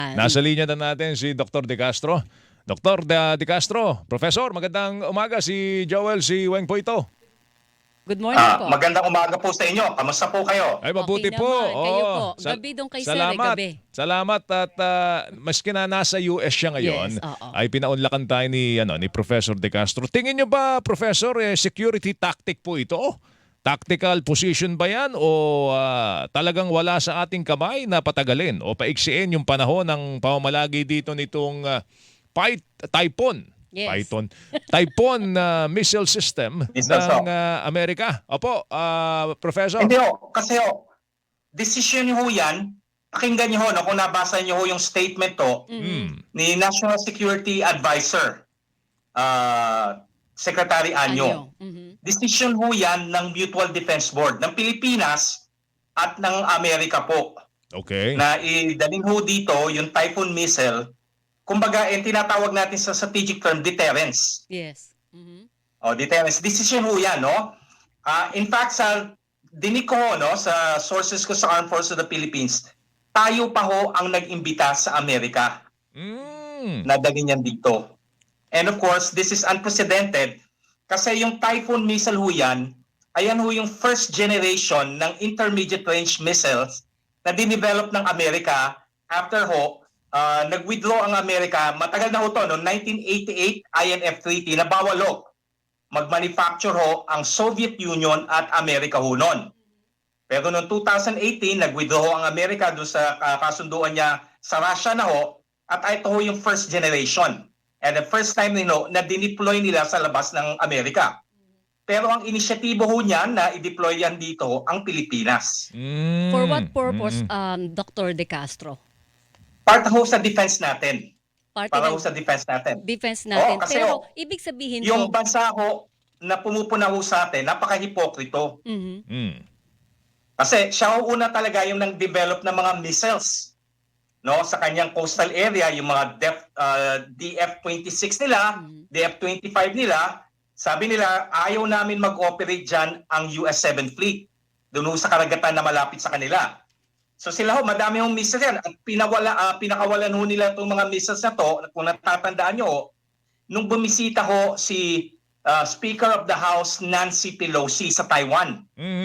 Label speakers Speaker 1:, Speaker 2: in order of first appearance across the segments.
Speaker 1: Nasa linya na natin si Dr. De Castro. Dr. De Castro, Professor, magandang umaga. Si Joel, si Weng po ito.
Speaker 2: Good morning po.
Speaker 3: Magandang umaga po sa inyo. Kamusta po kayo?
Speaker 1: Ay, mabuti
Speaker 2: Okay
Speaker 1: po.
Speaker 2: naman. Kayo
Speaker 1: Oo.
Speaker 2: po. Gabi doon kay Sir,
Speaker 1: salamat.
Speaker 2: gabi.
Speaker 1: Salamat at maski na nasa US siya ngayon,
Speaker 2: Yes, oo.
Speaker 1: ay pinaunlakan tayo ni Professor De Castro. Tingin niyo ba, Professor, security tactic po ito? Tactical position ba yan o talagang wala sa ating kamay na patagalin o paiksiin yung panahon ng pamamalagi dito nitong Typhoon?
Speaker 2: Yes.
Speaker 1: Typhoon missile system ng Amerika. Opo, Professor.
Speaker 3: Hindi ho. Kasi decision ho yan. Pakinggan niyo ho, no, kung nabasa niyo ho yung statement to ni National Security Advisor, Secretary Anyo. Decision ho yan ng Mutual Defense Board ng Pilipinas at ng Amerika po.
Speaker 1: Okay.
Speaker 3: Na idalhin ho dito yung Typhoon missile. Kumbaga, tinatawag natin sa strategic term, deterrence.
Speaker 2: Yes.
Speaker 3: Deterrence. Decision ho yan, no? In fact, sa dinig ko ho, no, sa sources ko sa Armed Forces of the Philippines, tayo pa ho ang nag-imbita sa Amerika na dalhin yan dito. And of course, this is unprecedented kasi yung Typhoon missile ho yan, ayan ho yung first generation ng intermediate range missiles na dinevelop ng Amerika after ho, nag-withdraw ang Amerika, matagal na ho to, no, 1988 INF Treaty na bawal ho mag-manufacture ho ang Soviet Union at Amerika ho noon. Pero noong 2018, nag-withdraw ho ang Amerika doon sa kasunduan niya sa Russia na ho at ito ho yung first generation. And the first time na dineploy nila sa labas ng Amerika. Pero ang inisyatibo ho niyan na i-deploy yan dito ang Pilipinas.
Speaker 2: For what purpose, Dr. De Castro?
Speaker 3: Part ho sa defense natin. Para ho
Speaker 2: Ng
Speaker 3: sa defense natin.
Speaker 2: defense natin.
Speaker 3: Kasi
Speaker 2: Pero ibig sabihin
Speaker 3: yung
Speaker 2: po,
Speaker 3: bansa ho na pumupuna ho sa atin, napaka-hipokrito. Kasi siya ho una talaga yung nang-develop ng mga missiles, no, sa kanyang coastal area, yung mga DF-26 nila, DF-25 nila. Sabi nila, ayaw namin mag-operate dyan ang US-7 Fleet. Doon ho sa karagatan na malapit sa kanila. So sila ho, madami hong missiles yan. At pinakawalan ho nila itong mga missiles na to, kung natatandaan nyo, nung bumisita ho si Speaker of the House Nancy Pelosi sa Taiwan.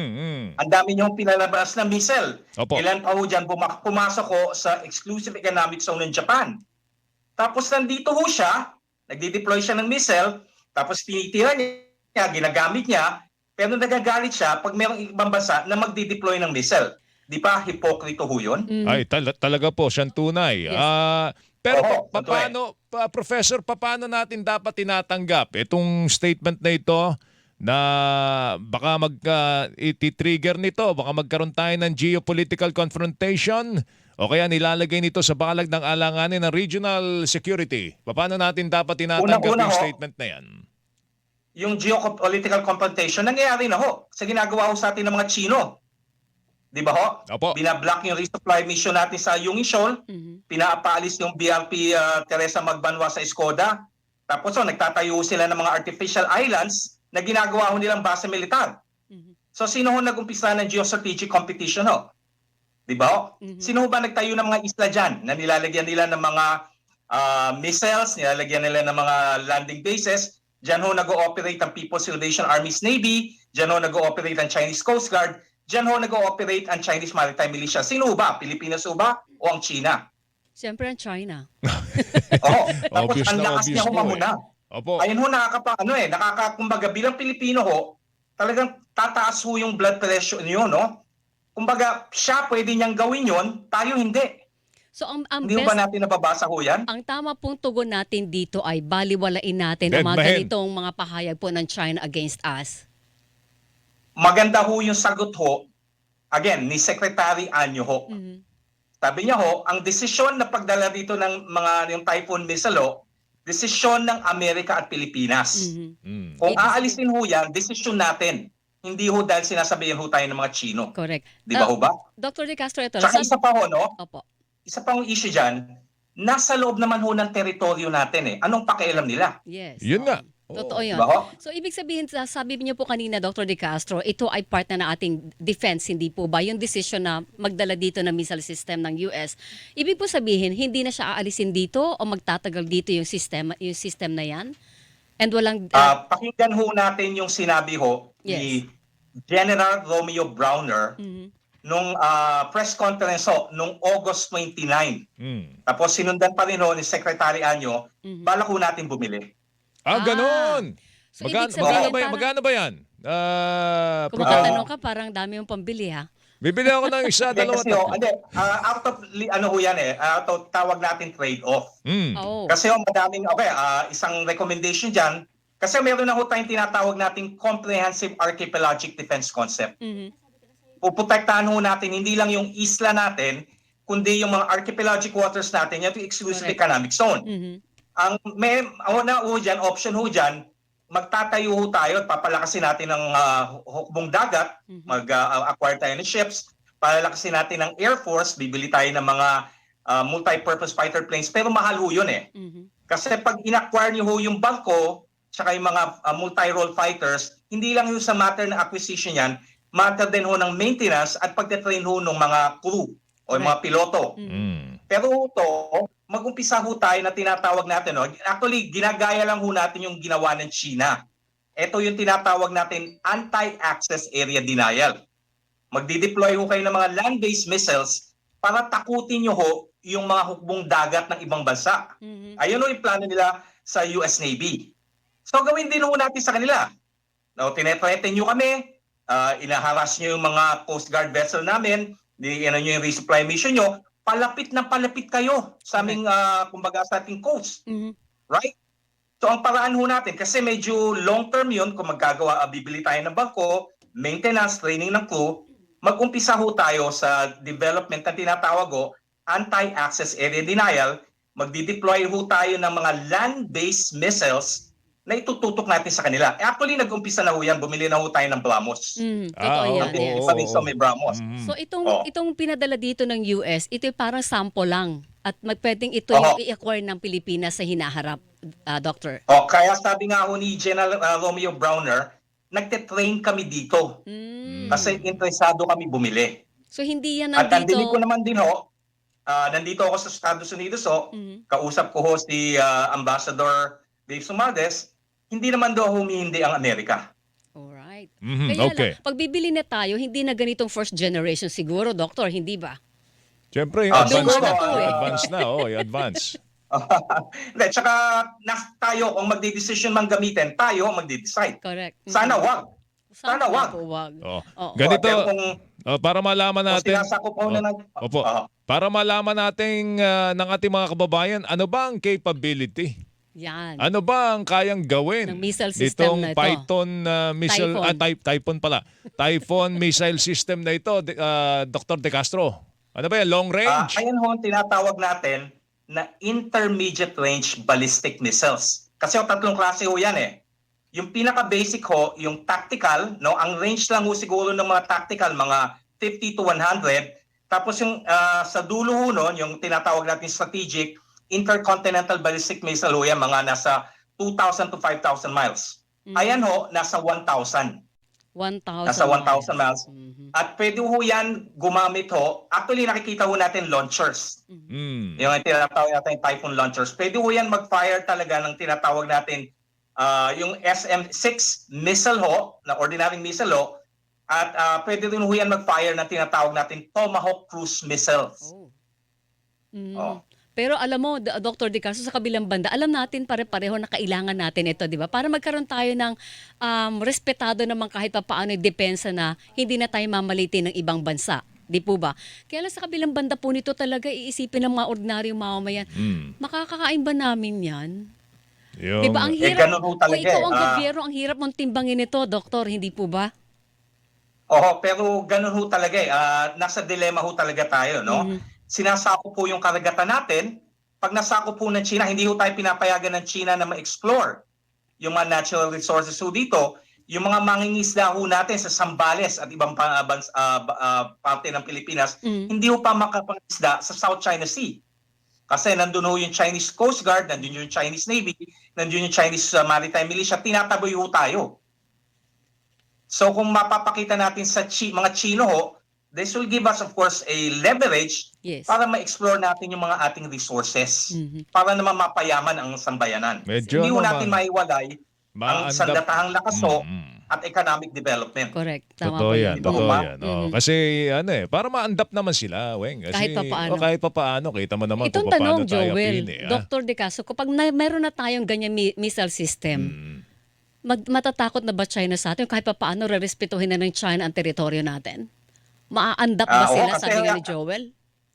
Speaker 3: Ang dami niyong pinalabas na missile.
Speaker 1: Opo.
Speaker 3: Ilan pa ho dyan pumasok ho sa exclusive economic zone ng Japan. Tapos nandito ho siya, nagdi-deploy siya ng missile, tapos tinitira niya, ginagamit niya, pero nagagalit siya pag mayroong ibang bansa na magdi-deploy ng missile. Di ba hipokrito ho yun?
Speaker 1: Ay, talaga po, siyang tunay.
Speaker 2: Yes.
Speaker 1: Pero
Speaker 3: Oo,
Speaker 1: paano, Professor, paano natin dapat tinatanggap itong statement na ito na baka iti-trigger nito, baka magkaroon tayo ng geopolitical confrontation o kaya nilalagay nito sa balag ng alanganin ng regional security? Paano natin dapat tinatanggap
Speaker 3: Una-una
Speaker 1: yung
Speaker 3: ho,
Speaker 1: statement na yan?
Speaker 3: yung geopolitical confrontation, nangyayari na ho sa ginagawa ho sa atin ng mga Chino. Di ba ho?
Speaker 1: Opo.
Speaker 3: Binablock yung resupply mission natin sa Yungin Shoal, pinapaalis yung BRP Teresa Magbanwa sa Escoda, tapos nagtatayo sila ng mga artificial islands na ginagawa ho nilang base militar. So sino ho nag-umpisa ng geostrategic competition ho? Di ba ho? Sino ho ba nagtayo ng mga isla dyan na nilalagyan nila ng mga missiles, nilalagyan nila ng mga landing bases? Diyan ho nag-ooperate ang People's Liberation Army's Navy, diyan ho nag-ooperate ang Chinese Coast Guard, diyan ho nag-ooperate ang Chinese Maritime Militia. Sino ho ba? Pilipinas ho ba o ang China?
Speaker 2: siyempre ang China.
Speaker 3: Oo. Tapos
Speaker 1: Obvious
Speaker 3: ang
Speaker 1: na
Speaker 3: lakas
Speaker 1: obvious
Speaker 3: niya ho
Speaker 1: po
Speaker 3: mamuna.
Speaker 1: Opo.
Speaker 3: Ayun ho, kumbaga bilang Pilipino ho, talagang tataas ho yung blood pressure niyo, no? Kumbaga, siya pwede niyang gawin yon, tayo hindi.
Speaker 2: So ang
Speaker 3: Hindi ho ba natin nababasa ho yan?
Speaker 2: ang tama pong tugon natin dito ay baliwalain natin ang mga
Speaker 1: Deadman.
Speaker 2: ganitong mga pahayag po ng China against us.
Speaker 3: Maganda ho yung sagot ho, again, ni Secretary Anyo ho. Sabi niya ho, ang desisyon na pagdala dito ng yung Typhoon missile ho, desisyon ng Amerika at Pilipinas. Kung aalisin ho yan, desisyon natin. Hindi ho dahil sinasabihan ho tayo ng mga Chino.
Speaker 2: Correct.
Speaker 3: Di ba ho ba?
Speaker 2: Dr. De Castro, ito.
Speaker 3: Tsaka isa pa ho, no?
Speaker 2: Opo.
Speaker 3: Isa pang issue dyan, nasa loob naman ho ng teritoryo natin eh. Anong pakialam nila?
Speaker 2: Yes.
Speaker 1: Yun nga.
Speaker 2: Totoo yun.
Speaker 3: Baho?
Speaker 2: So, ibig sabihin, sabi niyo po kanina, Dr. De Castro, ito ay part na ng ating defense, hindi po ba? Yung decision na magdala dito ng missile system ng US. Ibig po sabihin, hindi na siya aalisin dito o magtatagal dito yung system na yan? And walang...
Speaker 3: Pakinggan ho natin yung sinabi ho ni General Romeo Browner nung press conference ho nung August 29. Tapos sinundan pa rin ho ni Secretary Anyo, balak ho natin bumili.
Speaker 1: Ganon.
Speaker 2: So, ibig sabihin, parang,
Speaker 1: Magkano ba yan?
Speaker 2: kung makatanong ka, parang dami yung pambili, ha?
Speaker 1: Bibili ako ng isa, dalawa,
Speaker 3: Kasi ho,
Speaker 1: tatlo.
Speaker 3: out of, ano ho yan out of tawag natin trade-off.
Speaker 2: Oo.
Speaker 3: Kasi ho, madaming, isang recommendation dyan, kasi meron na ho tayong tinatawag nating Comprehensive Archipelagic Defense Concept. Puprotektahan ho natin hindi lang yung isla natin, kundi yung mga archipelagic waters natin, yung exclusive economic zone. Ang may option ho dyan, magtatayo ho tayo at papalakasin natin ng hukbong dagat, mag-acquire tayo ng ships, palalakasin natin ng Air Force, bibili tayo ng mga multi-purpose fighter planes, pero mahal ho yun eh. Kasi pag in-acquire nyo ho yung barko, tsaka yung mga multi-role fighters, hindi lang yung sa matter ng acquisition yan, matter din ho ng maintenance at pagte-train ho ng mga crew o yung mga piloto. Pero ito, mag-umpisa ho tayo na tinatawag natin. Actually, ginagaya lang ho natin yung ginawa ng China. Ito yung tinatawag natin anti-access area denial. Magdi-deploy ho kayo ng mga land-based missiles para takutin nyo ho yung mga hukbong dagat ng ibang bansa. Ayun ho yung plano nila sa US Navy. So gawin din ho natin sa kanila. Tinetreten nyo kami, inaharas nyo yung mga Coast Guard vessel namin, nyo yung resupply mission nyo, palapit na palapit kayo sa aming, kumbaga sa ating coast. Right? So ang paraan ho natin, kasi medyo long-term yun, kung bibili tayo ng bangko, maintenance, training ng crew, mag-umpisa ho tayo sa development na tinatawag ho, anti-access area denial, magdi-deploy ho tayo ng mga land-based missiles na itututok natin sa kanila. Actually, nag-umpisa na ho yan, bumili na ho tayo ng BrahMos.
Speaker 2: Totoo yan. Yes.
Speaker 3: May BrahMos.
Speaker 2: So itong pinadala dito ng US, ito parang sample lang at pwedeng ito yung i-acquire ng Pilipinas sa hinaharap, Doctor.
Speaker 3: Kaya sabi nga ho ni General Romeo Browner, nagte-train kami dito kasi interesado kami bumili.
Speaker 2: So hindi yan
Speaker 3: At
Speaker 2: nandito...
Speaker 3: nandinig ko naman din ho, nandito ako sa Estados Unidos kausap ko ho si Ambassador Dave Sumades, hindi naman daw humihindi ang Amerika.
Speaker 2: Alright. Kaya
Speaker 1: okay.
Speaker 2: lang, pag bibili na tayo, hindi na ganitong first generation siguro, Doctor, hindi ba?
Speaker 1: Siyempre, advance
Speaker 2: luma
Speaker 1: na.
Speaker 2: na to eh.
Speaker 1: Advance na, advance.
Speaker 3: Hindi, tsaka tayo kung magdi-decision man gamitin, tayo ang magdi-decide.
Speaker 2: Correct.
Speaker 3: Sana wag. Sana wag.
Speaker 1: Ganito,
Speaker 3: Pero kung
Speaker 1: para malaman natin...
Speaker 3: sinasakop ho na
Speaker 1: para malaman natin ng ating mga kababayan, ano ba ang capability?
Speaker 2: Yan.
Speaker 1: Ano ba ang kayang gawin
Speaker 2: ng missile system na ito?
Speaker 1: Python missile Typhoon missile system na ito, Dr. De Castro? Ano ba yan? Long range?
Speaker 3: Ayan ho ang tinatawag natin na intermediate range ballistic missiles. Kasi tatlong klase ho yan eh. Yung pinaka-basic ho, yung tactical, ang range lang ho siguro ng mga tactical, mga 50 to 100. Tapos yung sa dulo ho nun, yung tinatawag natin strategic, intercontinental ballistic missile ho yan, mga nasa 2,000 to 5,000 miles. Ayan ho, nasa 1,000.
Speaker 2: 1,000.
Speaker 3: Nasa 1,000 miles. At pwede ho yan gumamit ho. Actually, nakikita ho natin launchers. Yung tinatawag natin Typhoon launchers. Pwede ho yan mag-fire talaga ng tinatawag natin yung SM-6 missile ho, na ordinary missile ho. At pwede rin ho yan mag-fire ng tinatawag natin Tomahawk cruise missiles.
Speaker 2: Pero alam mo, Dr. De Castro, sa kabilang banda, alam natin pare-pareho na kailangan natin ito, di ba? Para magkaroon tayo ng respetado naman kahit pa paano yung depensa na hindi na tayo mamalitin ng ibang bansa. Di po ba? Kaya lang sa kabilang banda po nito talaga iisipin ng mga ordinaryong mamamayan, makakakain ba namin yan? Di ba? Ang hirap, kung ikaw ang gobyerno, ang hirap mong timbangin ito, Doktor, hindi po ba?
Speaker 3: Pero ganun ho talaga eh. Nasa dilemma ho talaga tayo, no? Sinasakop po yung karagatan natin. Pag nasakop po ng China, hindi ho tayo pinapayagan ng China na ma-explore yung mga natural resources ho dito. Yung mga mangingisda ho natin sa Zambales at ibang parte ng Pilipinas, hindi ho pa makapangisda sa South China Sea. Kasi nandun ho yung Chinese Coast Guard, nandun yung Chinese Navy, nandun yung Chinese Maritime Militia, tinataboy ho tayo. So kung mapapakita natin sa mga Chino ho, this will give us of course a leverage
Speaker 2: Yes.
Speaker 3: para ma-explore natin yung mga ating resources
Speaker 2: Mhm.
Speaker 3: para naman mapayaman ang sambayanan.
Speaker 1: Medyo
Speaker 3: Hindi ho
Speaker 1: ano,
Speaker 3: natin maiwalay ang
Speaker 1: maandap-
Speaker 3: sandatahang lakas ho
Speaker 1: Mm.
Speaker 3: at economic development.
Speaker 2: Correct. Tama
Speaker 1: Totoo
Speaker 2: po
Speaker 1: yan,
Speaker 3: Di ba,
Speaker 1: totoo
Speaker 3: Uma?
Speaker 1: yan. Oo,
Speaker 2: Mhm.
Speaker 1: kasi ano para ma-andap naman sila, Weng. Kasi,
Speaker 2: Kahit papaano.
Speaker 1: kahit papaano, kita mo naman
Speaker 2: Itong
Speaker 1: kung paano
Speaker 2: tanong,
Speaker 1: tayo
Speaker 2: Joel,
Speaker 1: pili.
Speaker 2: Dr. De Caso, kapag meron na tayong ganyan missile system,
Speaker 1: Mm.
Speaker 2: matatakot na ba China sa atin? Kahit pa paano rerespetuhin na ng China ang teritoryo natin? Maaandap ba
Speaker 3: Oo,
Speaker 2: sila,
Speaker 3: kasi
Speaker 2: sabi nga ni Joel?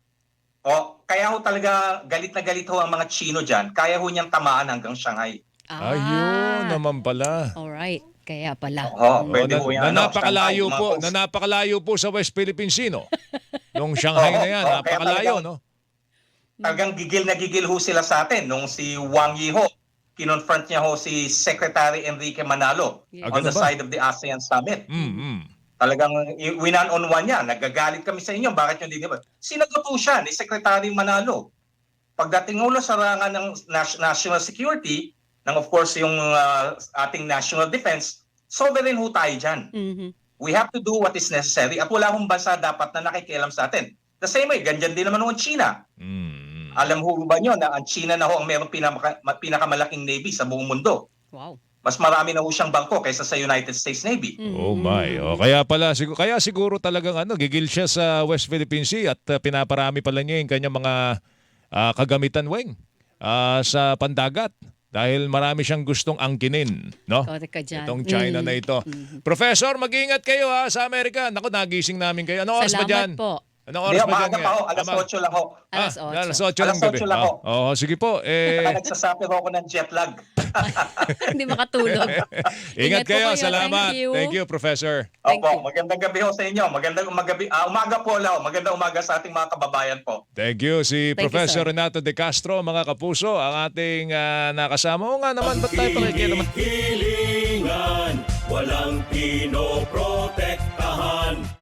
Speaker 3: Kaya ho talaga galit na galit ho ang mga Chino dyan. Kaya ho niyang tamaan hanggang Shanghai.
Speaker 1: Ayun naman pala.
Speaker 2: Alright, kaya pala.
Speaker 3: Pwede
Speaker 1: na,
Speaker 3: ho yan.
Speaker 1: na napakalayo
Speaker 3: Shanghai,
Speaker 1: po,
Speaker 3: mga
Speaker 1: na
Speaker 3: coast.
Speaker 1: napakalayo po sa West Philippine Sea, no? Nung Shanghai na yan,
Speaker 3: Kaya
Speaker 1: napakalayo,
Speaker 3: talagang-
Speaker 1: no?
Speaker 3: Talagang gigil na gigil ho sila sa atin nung si Wang Yi ho, kinonfront niya ho si Secretary Enrique Manalo
Speaker 2: Yeah.
Speaker 3: on the
Speaker 1: Ganun ba?
Speaker 3: side of the ASEAN Summit.
Speaker 1: Mm-mm.
Speaker 3: Talagang winan-on-one niya, nagagalit kami sa inyo, bakit nyo hindi ba? Sinagot po siya ni Secretary Manalo. Pagdating ulo sa rangan ng national security, ng of course yung ating national defense, sovereign ho tayo dyan.
Speaker 2: Mhm.
Speaker 3: We have to do what is necessary at wala hong bansa dapat na nakikialam sa atin. The same way, ganyan din naman ho ang China.
Speaker 1: Mm.
Speaker 3: Alam ho ba nyo na ang China na ho ang mayroong pinakamalaking navy sa buong mundo?
Speaker 2: Wow.
Speaker 3: Mas marami na ho siyang bangko kaysa sa United States Navy.
Speaker 1: Oh my. Oh, kaya pala kaya siguro talagang gigil siya sa West Philippine Sea at pinaparami pala niya yung kanyang mga kagamitan, Weng, sa pandagat dahil marami siyang gustong angkinin, no?
Speaker 2: Correct ka dyan.
Speaker 1: Itong China na ito. Professor, mag-ingat kayo sa Amerika. Naku, nagising namin kayo. Anong oras ba
Speaker 2: Salamat
Speaker 1: dyan?
Speaker 2: po.
Speaker 1: Anong
Speaker 3: Hindi,
Speaker 1: oras ba dyan?
Speaker 3: maaga pa ho, alas 8 lang ho.
Speaker 2: Alas 8.
Speaker 1: Alas 8 lang
Speaker 3: Alas
Speaker 1: gabi.
Speaker 3: 8 lang ho.
Speaker 1: Oo, sige po.
Speaker 3: Nagsasabi ho ako ng jet lag.
Speaker 2: Hindi makatulog.
Speaker 1: Ingat
Speaker 2: po
Speaker 1: kayo.
Speaker 2: kayo.
Speaker 1: Salamat.
Speaker 2: Thank you.
Speaker 1: Professor.
Speaker 2: Thank you.
Speaker 3: Magandang gabi ho sa inyo. Magandang umaga po lang. Magandang umaga sa ating mga kababayan po.
Speaker 1: Thank you. Si
Speaker 2: Thank you,
Speaker 1: Professor
Speaker 2: sir.
Speaker 1: Renato De Castro, mga kapuso, ang ating nakasama. O nga naman, ba't tayo pakikialaman?
Speaker 4: Hilingan, walang pinoprotektahan.